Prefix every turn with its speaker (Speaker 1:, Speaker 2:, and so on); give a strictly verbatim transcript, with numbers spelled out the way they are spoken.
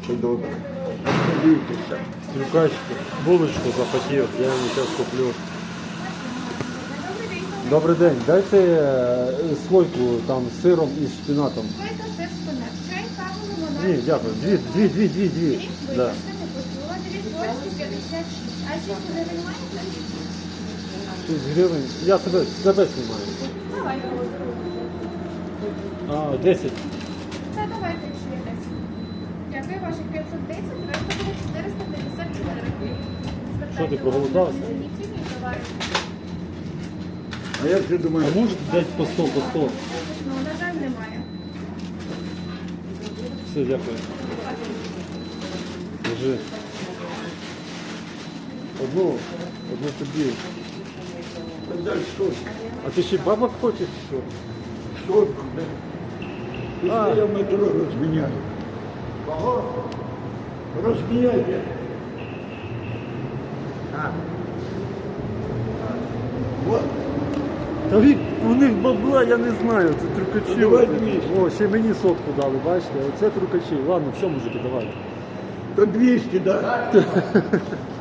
Speaker 1: Добре. Дивіться.
Speaker 2: Трюкачки. Булочку захотів, я йому зараз куплю. Добрий день. Дайте е, слойку там з сиром і шпинатом.
Speaker 3: Слойка, сир, шпинат. Чай, каву, лимонад.
Speaker 2: Ні, дякую. Дві, дві, дві, дві, дві.
Speaker 3: Дві?
Speaker 2: Да.
Speaker 3: Вибачте, не почула. Дві слойки, п'ятдесят шість. А шість гривень маєте?
Speaker 2: шість гривень. Я себе, себе знімаю.
Speaker 3: Давай.
Speaker 2: А, десять.
Speaker 3: Це давайте, якщо є десять. Дякую, ваших п'ятсот десять, решта буде чотириста п'ятдесят чотири.
Speaker 2: Що ти, проголодався?
Speaker 3: Традиційні товари.
Speaker 1: А я все думаю,
Speaker 2: А можете дати по сто, по сто?
Speaker 3: Ну, на жаль, немає.
Speaker 2: Все, дякую. Держи. Одну, одну тобі.
Speaker 1: дай сотку.
Speaker 2: А ти ще бабок хочеш чи що?
Speaker 1: Сотку, да?
Speaker 2: А.
Speaker 1: Після я в метро розміняю. Кого? Розміняйте. А. Вот.
Speaker 2: Та вік, у них бабла, я не знаю, це трюкачі.
Speaker 1: Давай двісті.
Speaker 2: О, ще мені сотку дали, бачите? Оце трюкачі. Ладно, все, мужики, давай.
Speaker 1: То двісті, да?